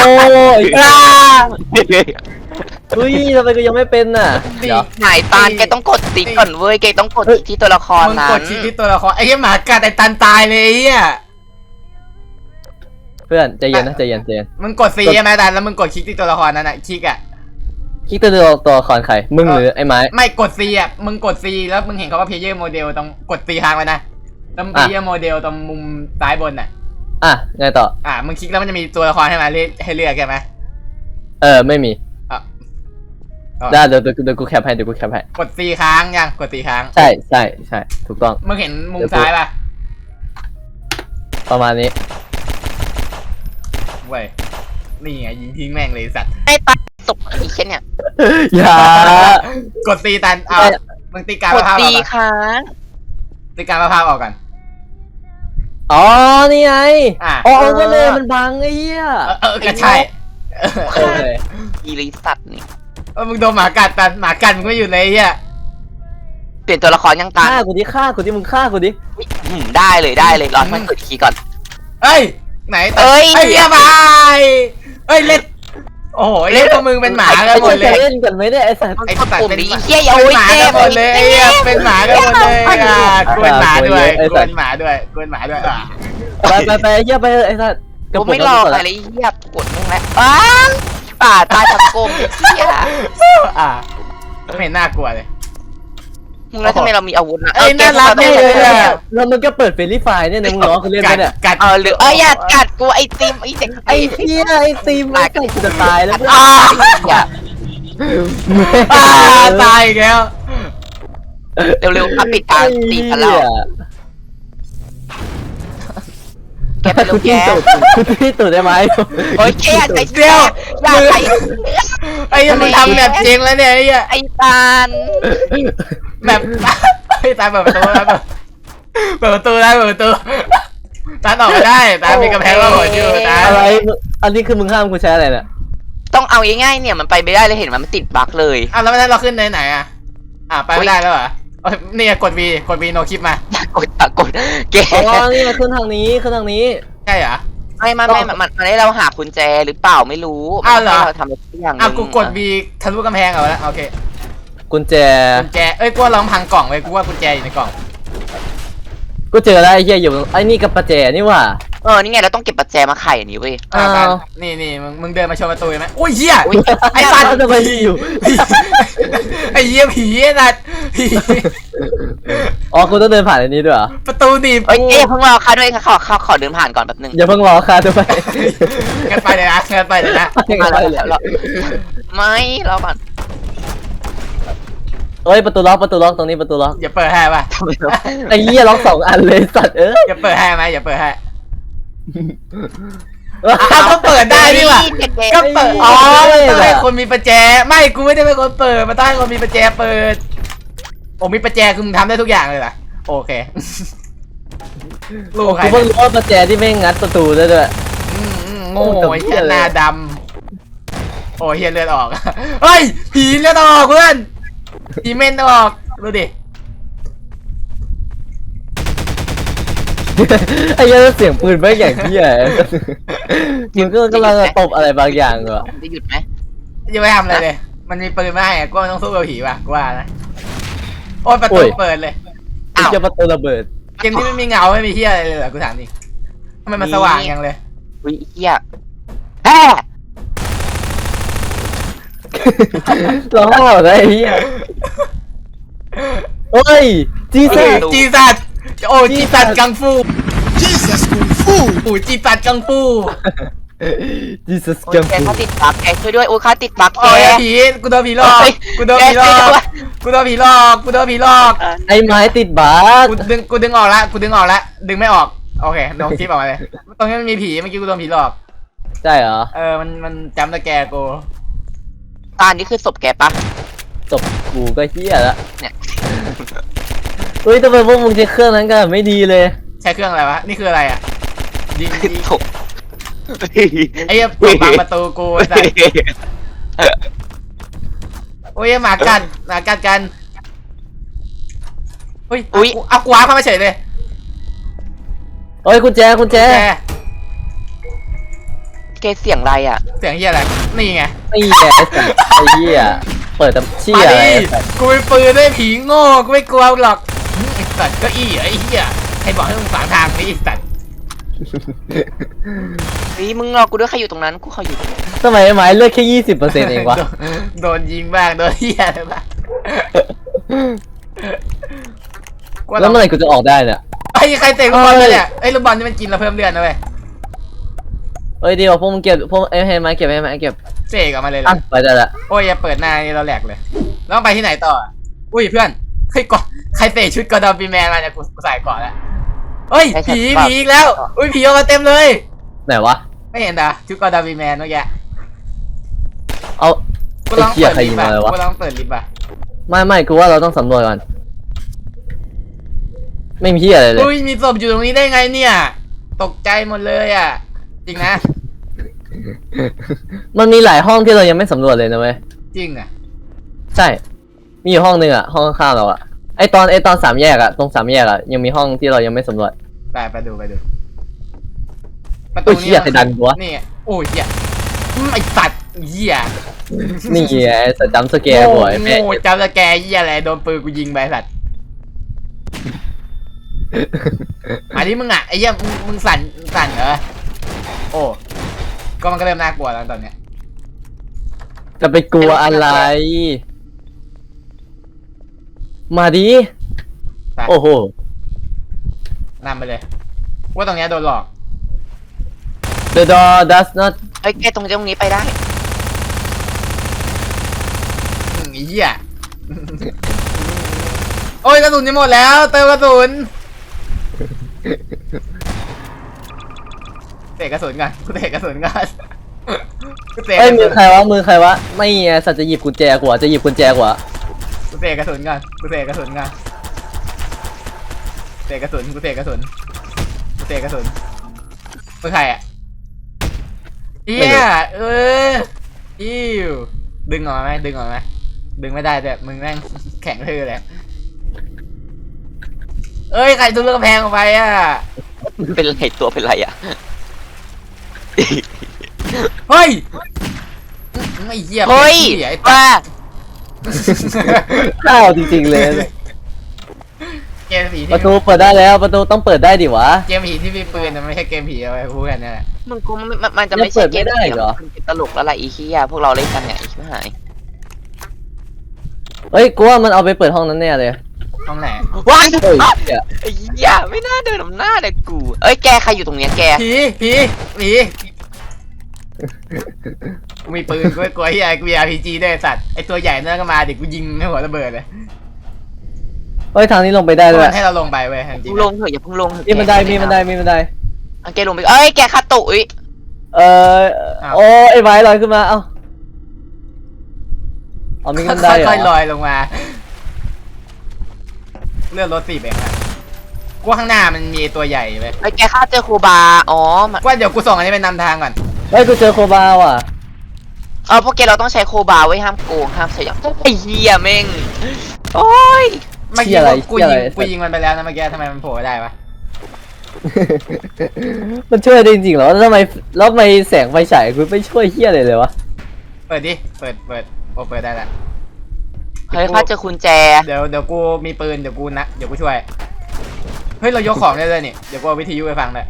ยอุ้ยทำไมกูยังไม่เป็นน่ะเดี๋ยวหายตาลแกต้องกดติ๊กก่อนเว้ยแกต้องกดที่ตัวละครมึงนั้กนดคลิกที่ตัวละครไอ้เหี้ยหมากัดไอ้ตันตายเลยไอ้เหี้ยเพื่อนใจเย็นนะใจเย็นใจเย็นมึงกดซีใช่ไหมตันแล้วมึงกดคลิกที่ตัวละครนั้นอ่ะคลิกอ่ะคลิกตัวละครใครมึงหรือไอ้ไม้ไม่กดซีอ่ะมึงกดซีแล้วมึงเห็นเขาว่าเพลเยอร์โมเดลตรงกดซีค้างไว้นะแล้วเพลเยอร์โมเดลตรงมุมซ้ายบนอ่ะอ่ะไงต่อมึงคลิกแล้วมันจะมีตัวละครให้มาให้เลือกใช่ไหมไม่มีอ่ะได้เดี๋ยวกูแคปให้เดี๋ยวกูแคปให้กดซีค้างยังกดซีค้างใช่ใช่ใช่ถูกต้องมึงเห็นมุมซ้ายป่ะประมาณนี้เว้ยนี่ไงยิงทิ้งแม่งเลยสัตว์ไอ้ตาลตกอีกแค่เนี่ยอย่ากดซีตันมึงตีการกมะดพร้าวอตีอกก่อนค้างตีการมะพร้าวออกก่อนอ๋อนี่ไงอ่ะอ๋อก็เลยมันบังไอ้เหี้ยก็ใช่โอเคอีลิสัตว์นี่มึงโดนหมากัดตันหมากัดมึงไม่อยู่เลยไอ้เฮียเปลี่ยนตัวละครยังตาลฆ่ากูดิมึงฆ่ากูดิได้เลยรอให้มันกดคีย์ก่อนเอ้ยไหนเอ้ยไอ้เฮียบายเอ้ยเล่นโอ้โหเล่นพวกมึงเป็นหมากันหมดเลจะยเล่นกันไหมเนี่ยไอ้สัตว์ไอ้สัตว์ปุ่มเป็นนี้หมาเฮียอย่าเป็โอ้นยหมาเจ็กันบหมดเลยไอ้เฮียเป็นหมากันหมดเลยกวนหมาด้วยกวนหมาด้วยกวนหมาด้วยไปไอ้เหี้ยไปไอ้สัตว์กูไม่รออะไรเฮียกดมึงแล้วป่าตายทั้งกลมเฮียไม่เห็นน่ากลัวเลยมึงแล้วทำไมเรามีอาวุธนะเอ้ยน่ารักแกเลยแล้วมันก็เปิดเฟรนลี่ไฟเนี่ยมึงร้องคือเล่นไหมเนี่ยกัดหรืออย่ากัดกูไอติมไอเด็กไอ้เหี้ยไอ้ตีมไอ้ไก่กูจะตายแล้วอย่าตายอีกแล้วเร็วๆครับปิดการตีกันแล้วแกไปลูกแกคุณที่ตุ่ได้ไหมโอ้ยแกใจเดียวอย่าไปไอ้ยังมึงทำแบบจริงแล้วเนี่ยไอ้เหี้ยไอตาลแบบไอ้ตาเปิดประตูแล้วเปิดประตูได้เปิดประตูตาออกมาได้ตามีกำแพงว่าหัวอยู่ตาอะไรอันนี้คือมึงห้ามกูใช้อะไรเนี่ยต้องเอาง่ายๆเนี่ยมันไปไม่ได้เลยเห็นมันติดบั๊กเลยแล้วไม่ได้เราขึ้นไหนอ่ะไปไม่ได้แล้วเหรอนี่กด V โนคลิปมากดเกอ๋อนี่ขึ้นทางนี้ใช่เหรอไม่มันให้เราหากุญแจหรือเปล่าไม่รู้เราทำอะไรสักอย่างนึงกูกด V ทะลุกำแพงเอาแล้วโอเคกุญแจเอ้ยกูลองพังกล่องเลยกูว่ากุญแจอยู่ในกล่องกูเจอแล้วไอ้เหี้ยอยู่ไอ้นี่กับประแจนี่ว่านี่ไงเราต้องเก็บปัจแจมาไขอันนี้เว้ยนี่มึงเดินมาชนประตูไหมอุ้ยเหี้ยไอ้สัตว์จะไปอยู่ไอ้เหี้ยผีไอ้สัตว์ผีอ๋อกูต้องเดินผ่านอันนี้ด้วยเหรอประตูหนีบเพิ่งรอค่ะด้วยค่ะขอเดินผ่านก่อนแป๊บนึงอย่าเพิ่งรอค่ะด้วยงั้นไปเลยนะมาแล้วไม่รอก่อนเอ้ยประตูล็อกตรงนี้ประตูล็อกอย่าเปิดให้ป่ะไอ้เหี้ยล็อก2 อันเลยสัตว์เอ้ยอย่าเปิดให้ไหมอย่าเปิดให้ก็เปิดได้นี่หว่าก็เปิดต้องให้คนมีประแจไม่กูไม่ได้เป็นคนเปิดมาต้องให้คนมีประแจเปิดโอ้มีประแจคือมึงทำได้ทุกอย่างเลยเหรอโอเคลูกใครกูเพิ่งรู้ว่าประแจที่ไม่งัดประตูได้ด้วยโง่ไอ้เหี้ยหน้าดำโอ้เหี้ยเลือดออกเฮ้ยผีเลือดออกเพื่อนผีเม่นออกดูดิไอ้เหี้ยเสียงปืนไม่อย่างเหี้ยมึงก็กำลังตบอะไรบางอย่างเหรอจะหยุดไหมยังไม่ทำอะไรเลยมันมีปืนไม่ให้กูต้องสู้กับผีป่ะกูว่านะโอ้ยประตูเปิดเลยไอ้เหี้ยประตูระเบิดเกมที่ไม่มีเงาไม่มีเหี้ยอะไรเลยเหรอกูถามดิทำไมมันสว่างยังเลยวิเฮียแฮ่ร้องหรอไอ้เหี้ยโอ้ยจีซ่าจีสัตโอ้จีสัตกังฟูจีสัตกังฟูจีซัสโอ้กัยงแกฟูเขาติดบั๊กแกช่วยด้วยโอ้ยเขาติดบั๊กแกโอ้ยผีกูโดนผีหลอกกูโดนผีหลอกกูโดนผีหลอกกูโดนผีหลอกไอ้ไม้ติดบาสกูดึงออกละดึงไม่ออกโอเคโดนคลิปออกมาเลยตรงนี้มันมีผีเมื่อกี้กูโดนผีหลอกใช่เหรอมันจำตะแกกูตานี่คือศพแกปะจบกูก็เหี้ยละเนี่ยเฮ้ยทำไมพวกมึงใช้เครื่องนั้นกันไม่ดีเลยใช้เครื่องอะไรวะนี่คืออะไรอ่ะยิงศพไอ้เหี้ยเปิดบังประตูกูไอ้สัสโอ้ยหมากัดกันอุ้ยเอากูว้าเข้ามาเฉยเลยเฮ้ยกุญแจแกแกเสียงอะไรอ่ะเสียงเฮียอะไรนี่ไงนี่ไงไอ้เหี้ยเปิดแต่เชี่ยมาอะไรดิกูมีปืนด้วยผีโง่กูไม่กลัวหรอกไอ้สัตว์เก็อี้ไอ้เฮียใครบอกให้มึงฝังทางนี้ไอ้สัตว์เฮ้ยมึงรอกูด้วยใครอยู่ตรงนั้นกูเขาอยู่ตรงนี้ทำไมไม้เลือดแค่20%เองวะโดนยิงบ้างโดนเฮียอะไรบ้างแล้วเมื่อไหร่กูจะออกได้เนี่ยไอ้ใครเตะลูกบอลเลยเนี่ยไอ้ลูกบอลนี่มันกินเราเพิ่มเลือดนะเว้ยเอ้ยเดี๋ยวพวกมึงเก็บพวกให้ไม้เก็บให้ไม้เก็บเสกออกมาเลยเลอ่ะยไปได้ละโอ้ยอย่าเปิดหน้านี่เราแหลกเลยแล้วต้องไปที่ไหนต่ออุ้ยเพื่อนเฮ้ยก่อนใครเตะชุดกอร์ดอนปีแมนมาเนี่ยกูใส่ก่อนแล้วเฮ้ยผีอีกแล้วอุ้ยผีออกมาเต็มเลยไหนวะไม่เห็นนะชุดกอร์ดอนปีแมนเมื่อกี้เอากูไอ้ลองเหี้ยเปิดใครลิยิฟงต์มาอ่ะเลยวะกูลองเปิดลิฟต์อ่ะไม่กูว่าเราต้องสำรวจก่อน ไม่มีเหี้ยอะไรเลยอุ้ยมีศพอยู่ตรงนี้ได้ไงเนี่ย ตกใจหมดเลยอ่ะ จริงนะมันมีหลายห้องที่เรายังไม่สำรวจเลยนะเว้ยจริงอ่ะใช่ มีอยู่ห้องนึงอ่ะ ห้องข้างๆเราอ่ะ ไอตอน3 แยกอ่ะ ตรง3 แยกอ่ะ ยังมีห้องที่เรายังไม่สำรวจไปดูโอ้ยเหี้ยใครดันกูวะนี่ไงโอ้ยเหี้ยไอสัตว์เหี้ยนี่ไงสจัมป์สแกร์บ่อยแม่โง่จำสแกร์เหี้ยอะไรโดนปืนกูยิงไปสัตว์อันนี้มึงอ่ะไอ้เหี้ยมึงสั่นเหรอโอ้ก็มันก็เริ่มน่ากลัวแล้วตอนเนี้ยจะไปกลัวอะไร มาดิไปโอ้โหนำไปเลยว่าตรงเนี้ยโดนหลอก The door does not เฮ้ยแกตรงนี้ไปได้ไอ้เหี้ย โอ้ยกระสุนจะหมดแล้วเติมกระสุนเตะกระสุนกันกูเตะกระสุนกันกูเตะกเอ้ยระมืสุอน ใครวะมือใครวะ ไม่ไงสัตว์จะหยิบกุญแจกว่าจะหยิบกุญแจกว่ากูเตะกระสุนกันกูเตะกระสุนกันเตะกระสุนกูเตะกระสุนกูเตะกระสุนมึงใครอ่ะเอี้ยอิ้วดึงออกมาไหมดึงออกมาไหมดึงไม่ได้แต่มึงแม่งแข็งทื่อเลยเอ้ยใครทุบกระแพงออกไปอ่ะเป็นไรตัวเป็นไรอ่ะเฮ้ยไม่เหี้ยเฮ้ยไอ้ว่าข้าวจริงๆเลยเกมผีประที่ตูเปิดได้แล้วประตูต้องเปิดได้ดิวะเกมผีที่มีปืนนะไม่ใช่เกมผีเอาไว้พูดกันนี่แหละมึงกูมันจะไม่ใช่เกมเปิดไม่ได้เหรอมันเป็นตลกแล้วล่ะอีเคียพวกเราเล่นกันเนี่ยอีชิบหายเฮ้ยกูว่ามันเอาไปเปิดห้องนั้นแน่เลยห้องไหนว้ายเฮ้ยเหี้ยไอ้เหี้ยไม่น่าเดินนำหน้าเลยกูเอ้ยแกใครอยู่ตรงเนี้ยแกผีกูมีปืนกูไม่กลัวเฮียกูมี RPG ด้วยสัตว์ไอตัวใหญ่นั่นก็มาเดี๋ยวกูยิงให้หัวระเบิดเลยเฮ้ยทางนี้ลงไปได้ด้วยมันให้เราลงไปเว้ยจริมึงงลงเถอะอย่าเพิ่งลงเถอะมีบันไดมีบันไดมีบันไดแกลงไปเอ้ยแกคาตุยเออโอ้ไอ้ไม้ลอยขึ้นมาเอ้าเอามีบันไดเหรค่อยๆลออยลงมาเลื่อนรถ4เองนะกูว่าข้างหน้ามันมีตัวใหญ่เว้ยไอ้ยแกฆ่าเจอโคบาอ๋อมันว่าเดี๋ยวกูส่งอันนี้ไปนำทางก่อนเฮ้ยกูเจอโคบาว่ะพวกแกเราต้องใช้โคบาไว้ห้ามโกงห้ามใช้อย่างไอ้เหี้ยแม่งโอ้ยเมื่อกี้กูยิงมันไปแล้วนะเมื่อกี้ทำไมมันโผล่ได้ปะมันช่วยได้จริงๆเหรอแล้วทำไมแสงไฟฉายกูไม่ช่วยเฮี้ยอะไรเลยวะเปิดดิเปิดโอ้เปิดได้แล้วเฮ้ยข้าเจอกุญแจเดี๋ยวกูมีปืนเดี๋ยวกูช่วยเฮ้ยเรายกของได้เลยนี่เดี๋ยวกูเอาวิทยุไปฟังเลย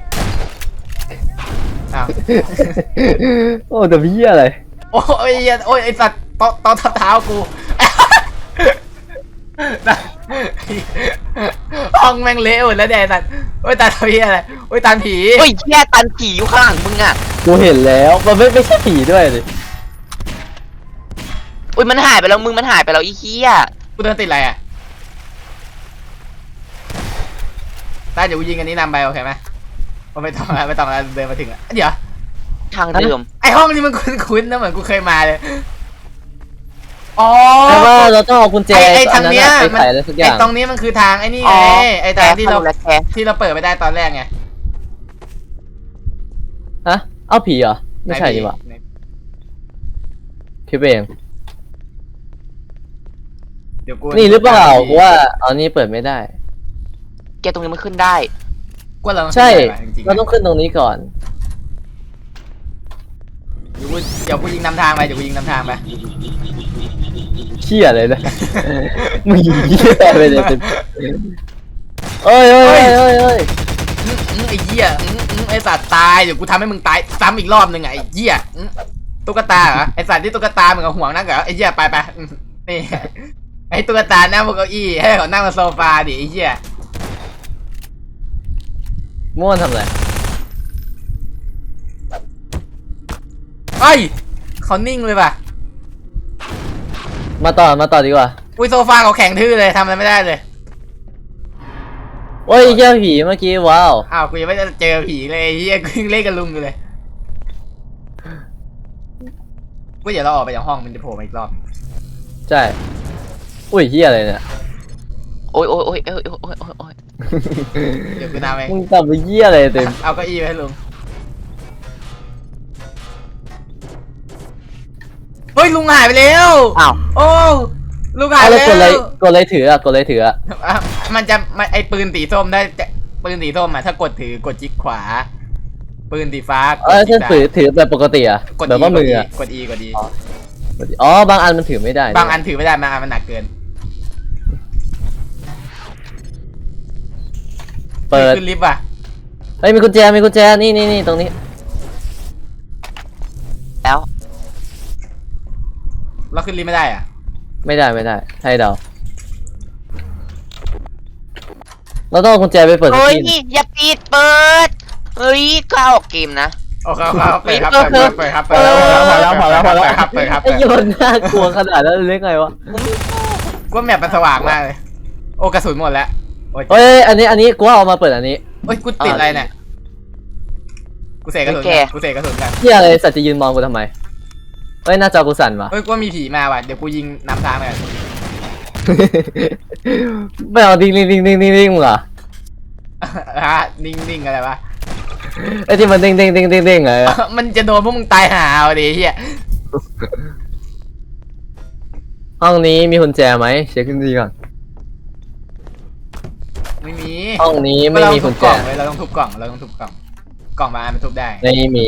อ้าวโอ้แต่เฮี้ยอะไรโอ้ยโอ้ยไอสัตว์ตอทับเท้ากูห้องแม่งเละหมดแล้วแดสัตว์โอ้ยตาผีอะไรโอ้ยตาผีเฮ้ยเหี้ยตันผีอยู่ข้างหลังมึงอ่ะกูเห็นแล้วมันไม่ใช่ผีด้วยเลยอุ้ยมันหายไปแล้วมึงมันหายไปแล้วอีเหี้ยกูเดินติดอะไรอ่ะตาเดี๋ยวกูยิงอันนี้นำไปโอเคไหมไม่ต้องแล้วเดินมาถึงแล้วเดี๋ยวทางเดิมไอห้องนี้มันคุ้นๆนะเหมือนกูเคยมาเลยอ๋อแต่ว่าเราต้องเอากุญแจไอทางเนี้ยไปไขอะไรสักอไอย่าง ตรงนี้มันคือทางไอ้นี่อ๋ไงอไอทางที่เราและแกเปิดไม่ได้ตอนแรกไงฮะเอาผีเหรอไม่ใช่ดีกว่าคิดเองเดี๋ยวกูนี่หรือเปล่ากูว่าเอานี่เปิดไม่ได้แกตรงนี้มันขึ้นได้กูเราต้องใช่จริงๆเราต้องขึ้นตรงนี้ก่อนเดี๋ยวกูยิงนำทางไปเดี๋ยวกูยิงนำทางไปเชี่ยเลยนะ มึงเชี่ยไปเลยเอ้ยเอ้ยเอ้ยเอ้ยไอ้เหี้ยไอ้สัตว์ตายเดี๋ยวกูทำให้มึงตายซ้ำอีกรอบหนึ่งไอ้เหี้ยตุ๊กตาเหรอไอ้สัตว์ที่ตุ๊กตามึงเอาห่วงนั่งเหรอไอ้เหี้ยไปนี่ไอ้ตุ๊กตานั่งบนเก้าอี้ให้เขานั่งบนโซฟาดิไอ้เหี้ยม่วนทำอะไรเฮ้ยเขานิ่งเลยป่ะมาต่อดีกว่าอุ้ยโซฟาเขาแข็งทื่อเลยทำอะไรไม่ได้เลยโอ้ยเจ้าผีเมื่อกี้ว้าวอ้าวกูยังไม่ได้เจอผีเลยไอ้เหี้ยกูยังเล่นกับลุงอยู่เลยกูเดี๋ยวเราออกไปจากห้องมันจะโผล่มาอีกรอบใช่ อุ้ยเฮียอะไรเนี่ยโอ้ยเดี๋ยวกูนำไปมึงทำไปเฮียอะไรเต็มเอาเก้าอี้ไปให้ลุงเฮ้ยลุงหายไปแล้วอ้าวโอ้ลุงหายเอาไปแล้วแล้วกดอะไรถืออะกดอะไรถืออะอ่ะมันจะไอปืนสีส้มได้ปืนสีส้มอ่ะถ้ากดถือกดจิ๊กขวา ปืนสีฟ้ากดถ้าจิ๊กถือแบบปกติอะกดแบบว่ามืออะกด E กด E อ๋อบางอันมันถือไม่ได้บางอันถือไม่ได้บางอันมันหนักเกินเปิดขึ้นลิฟต์อ่ะเฮ้ยมีกุญแจนี่ตรงนี้แล้วเราขึ้นลิฟต์ไม่ได้อ่ะไม่ได้ให้เดาเราต้องเอากุญแจไปเปิดเฮ้ยที่อย่าปิดเปิดเฮ้ยก็เอาออกเกมนะโอเคครับเปิดครับเปิดครับพอแล้วเปิดครับไอ้โยนน่ากลัวขนาดนั้นเลยไงวะว่าแมปมันสว่างมากเลยโอ้กระสุนหมดแล้วโอ้ยเฮ้ยอันนี้กูว่าเอามาเปิดอันนี้โอ้ยกูติดอะไรเนี่ยกูเสกกระสุนกันเฮียอะไรสัตว์จะยืนมองกูทำไมเฮ้ยหน้าจอกูสั่นวะเฮ้ยกูว่ามีผีมาว่ะเดี๋ยวกูยิงนำทางไปไม่เอาดิ้งมึงเหรอฮะนิ่งอะไรวะไอ้ที่มันดิ้งไงอะมันจะโดนพวกมึงตายหาเอาดิเฮียห้องนี้มีกุญแจไหมเช็คดีก่อนไม่มีห้องนี้ไม่มีกุญแจเราต้องทุบกล่องกล่องบางอันมันทุบได้ไม่มี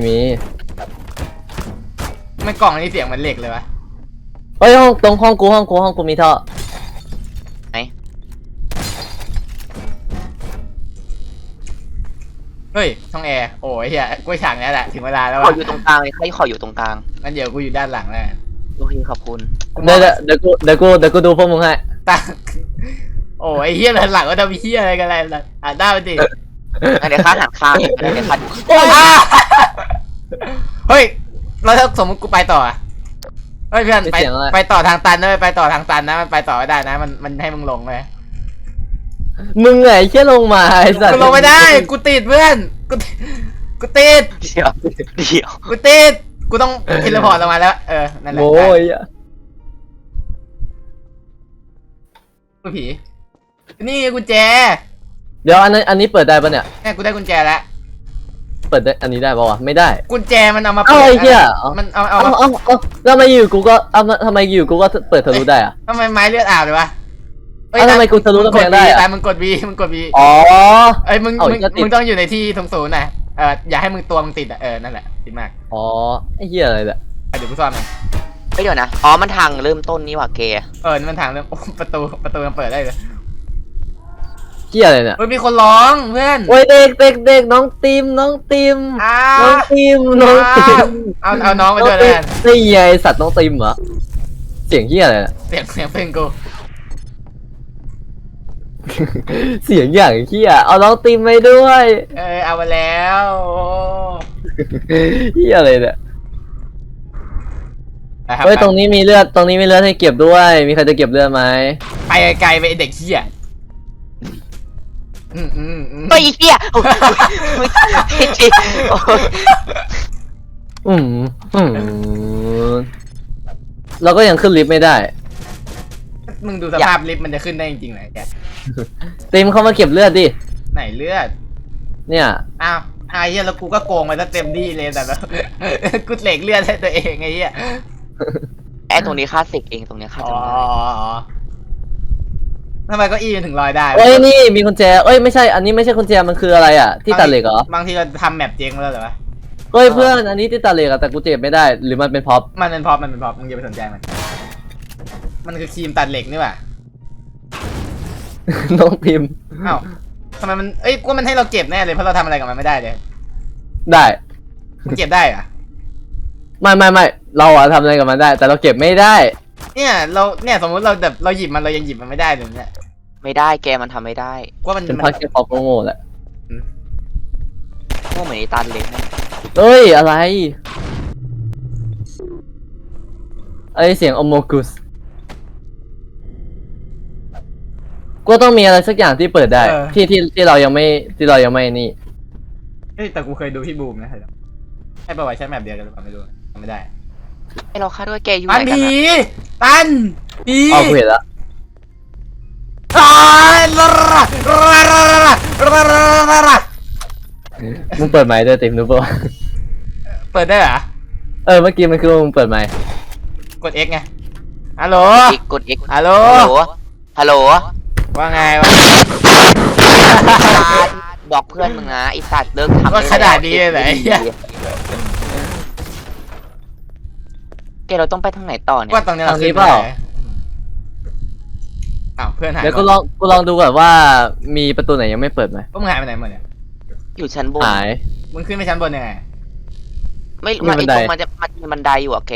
ไม่กล่องนี้เสียงมันเหล็กเลยวะเฮ้ยห้องกูมีท่อไหนเฮ้ยช่องแอร์โอ้ยเฮียกูฉากนี้แหละถึงเวลาแล้วขอวะอยู่ตรงกลางเลยใครขออยู่ตรงกลางงั้นเดี๋ยวกูอยู่ด้านหลังแล้วโอเคขอบคุณเดี๋ยวกูดูพวกมึงให้ตาโอ้ยเฮียด้านหลังก็จะมีเฮียอะไรกันอะไรล่ะอ่ะได้ไปดิงั้นเดี๋ยวข้าหันข้างเดี๋ยวข้าดูเฮ้ยเราถ้าสมมติกูไปต่อเฮ้ยเพื่อนไปต่อทางตันนะไปต่อทางตันนะมันไปต่อไม่ได้นะมันให้มึงลงเลยมึงไงเชี่ยลงมาไอ้สัตว์กูลงไม่ได้กูติดเพื่อนกูติดเดี๋ยวกูติดกูต้องเทเลพอร์ตลงมาแล้วนั่นแหละโอ้ยกูผีนี่กุญแจเดี๋ยวอันนี้เปิดได้ปะเนี่ยเนี่ยกูได้กุญแจแล้วเปิดได้อันนี้ได้ปะวะไม่ได้กุญแจมันเอามาเอ้าเปิดไอ้เหี้ยมันเอาเอาแล้วทำไมอยู่กูก็ทำไมอยู่กูก็เปิดทะลุได้อะทำไมไม้เลือดอาบเลยวะทำไมกูทะลุกำแพงได้อะแต่มึงกด V อ๋อเอ้ยมึงเอาอีกแล้วติดมึงต้องอยู่ในที่ตรงศูนย์นะอย่าให้มึงตัวมึงติดนั่นแหละติดมากอ๋อไอ้เหี้ยอะไรเนี่ยเดี๋ยวกูซ่อนมันเฮ้ยเดี๋ยวนะอ๋อมันทางเริ่มต้นนี่หว่าเกย์นี่มันทางเรื่องประตูมันเปิดได้เลยเหี้ยอะไรเนี่ยเฮ้ยมีคนร้องเพื่อนโอ้ยเด็กน้องติมอ้าน้องวติมเอาน้องไปด้วยแล้วกันนี่ไงสัตว์น้องติมเหรอเสียงเหี้ยอะไรเนี่ยเสียงเพลงกูเสียงอย่างเหี้ยเอาน้องติมไปด้วยเอามาแล้วโอ้เหี้ยอะไรเนี่ยนะครับเฮ้ยตรงนี้มีเลือดให้เก็บด้วย มีใครจะเก็บเลือดไหมไปไกลๆไปไอ้เด็กเหี้ยเฮ้ยเฮียโอ้ยจริงโอ้ยอืมเราก็ยังขึ้นลิฟต์ไม่ได้มึงดูสภาพลิฟต์มันจะขึ้นได้จริงๆเหรอแกติมเข้ามาเก็บเลือดดิไหนเลือดเนี่ยอ้าวไอ้เหี้ยแล้วกูก็โกงไปซะเต็มที่เลยแต่แบบ กูเหล็กเลือดให้ตัวเองไอ้เหี้ยไอ้ตรงนี้ข้าเสกเองตรงนี้ข้าอ๋อจำได้ทำไมเก็อี้มันถึงลอยได้วะเอ้ยนี่มีกุญแจเอ้ยไม่ใช่อันนี้ไม่ใช่กุญแจมันคืออะไรอ่ะที่ตัดเหล็กเหรอบางทีเราทำแมปเจ๊งมาแล้วเหรอวะเฮ้ยเพื่อนอันนี้ที่ตาเหล็กอะแต่กูเจ็บไม่ได้หรือมันเป็นพ็อปมันเป็นพร็อพมึงอย่าไปสนใจมันคือครีมตัดเหล็กนี่หว่าน้องพิมพ์อ้าวทำไมมันกูว่ามันให้เราเก็บแน่เลยเพราะเราทำอะไรกับมันไม่ได้เลยได้มันเก็บได้เหรอะไม่เราอะทำอะไรกับมันได้ แต่เราเก็บไม่ได้เนี่ยสมมติเราแบบเราหยิบมันเรายังหยิบมันไม่ได้เลยเนี่ยไม่ได้แกมันทำไม่ได้ว่ามันเป็นพักแค่พ็อปโง่ๆแหละพวกเหมือนไอ้ตันเล็กนะเอ้ยอะไรไอเสียงอโมกุสก็ต้องมีอะไรสักอย่างที่เปิดได้ที่เรายังไม่นี่แต่กูเคยดูพี่บูมนะใช่ป่าวใช้แมปเดียวกันหรือเปล่าไม่รู้จำไม่ได้ไอเราคาดว่าแกอยู่ตัไหนนกันผีอะตันผีอ๋อกูเห็นละ มึงเปิดไมค์ด้วยติมรู้ป่ะเปิดได้เหรอเมื่อกี้มันคือมึงเปิดไมค์กด X ไงฮัลโหลกด X ฮัลโหลฮัลโหลว่าไงวะบอกเพื่อนมึงนะไอสัตว์เลิกทำว่าขนาดนี้เลยเหรอไอ้เหี้ยแกเราต้องไปทางไหนต่อเนี่ยว่าตรงนี้เราขึ้นไปไหนอ้าวเพื่อนหายเดี๋ยวกูลองดูก่อนว่ามีประตูไหนยังไม่เปิดไหมพวกมึงหายไปไหนหมดเนี่ยอยู่ชั้นบนหายมึงขึ้นไปชั้นบนยังไงไม่มีมาบัไอนไดตรงมันจะมันมีบันไดอยู่อะแก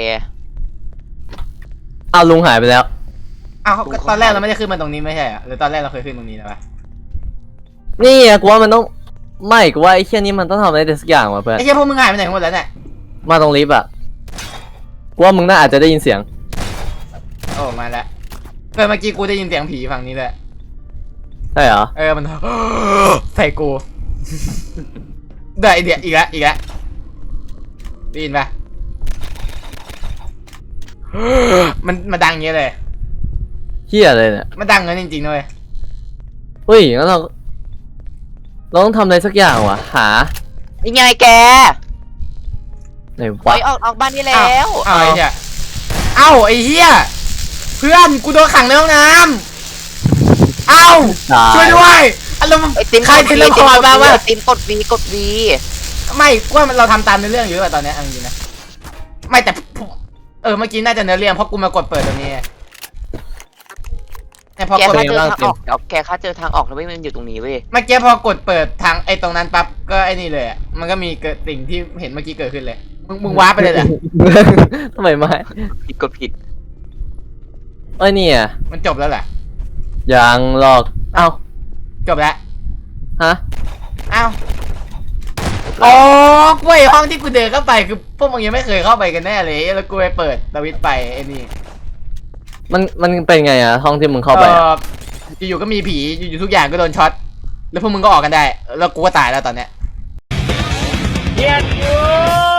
อ้าวลุงหายไปแล้วอ้าวก็ตอนแรกเราไม่ได้ขึ้นมาตรงนี้ไม่ใช่เหรอหรือตอนแรกเราเคยขึ้นตรงนี้แล้วปะนี่อะกูว่ามันต้องไม่กูว่าไอ้เชี่ยนี้มันต้องทำอะไรสักอย่างว่ะเพื่อนไอ้เหี้ยพวกมึงหายไปไหนหมดแล้วเนี่ยมาตรงลิฟต์อะกูว่ามึงน่าอาจจะได้ยินเสียงโอ้มาแล้วเมื่อกี้กูได้ยินเสียงผีฝั่งนี้เลยใช่เหรอมัน ใส่กูได้ไอเดียอีกแล้วได้ยินปะมันดังอย่างเงี้ยเลยเฮียอะไรเนี่ยมันดังเงินจริงๆด้วยเฮ้ยงั้นเราต้องทำอะไรสักอย่างว่ะหายังไงแกไหนปล่วะอยออกบ้านนี้แล้วไอ้เหี้ยไอ้เหี้ยเพื่อนกูโดนขังในห้องน้ำช่วยด้วยอารมณ์ไอติมใครเทเลพอร์ตมาวะไอติมกด V กด V ไม่กูว่าเราทำตามในเรื่องอยู่หรือเปล่าตอนนี้เอาจริงๆนะไม่แต่เมื่อกี้น่าจะเนื้อเรื่องเพราะกูมากดเปิดตรงนี้แต่พอแกกดค่าเจอทางออกเดี๋ยวแกค่าเจอทางออกแล้วเว้ยมันอยู่ตรงนี้เว้ยเมื่อกี้พอกดเปิดทางไอ้ตรงนั้นปั๊บก็ไอ้นี่เลยอะมันก็มีเกิดสิ่งที่เห็นเมื่อกี้เกิดขึ้นเลยมึงว้าร์ปไปเลยเหรอทำไมไม่ผิดก็ผิดเนี่ยมันจบแล้วเหรอยังหลอกเอ้าจบแล้วฮะอ้าวอ๋อกูไอ้ห้องที่กูเดินเข้าไปคือพวกมึงยังไม่เคยเข้าไปกันแน่เลยแล้วกูไปเปิดสวิตช์ไปไอ้นี่มันเป็นไงอะห้องที่มึงเข้าไปอะอยู่ๆก็มีผีอยู่ๆทุกอย่างก็โดนช็อตแล้วพวกมึงก็ออกกันได้แล้วกูก็ตายแล้วตอนเนี้ยเย็นอยู่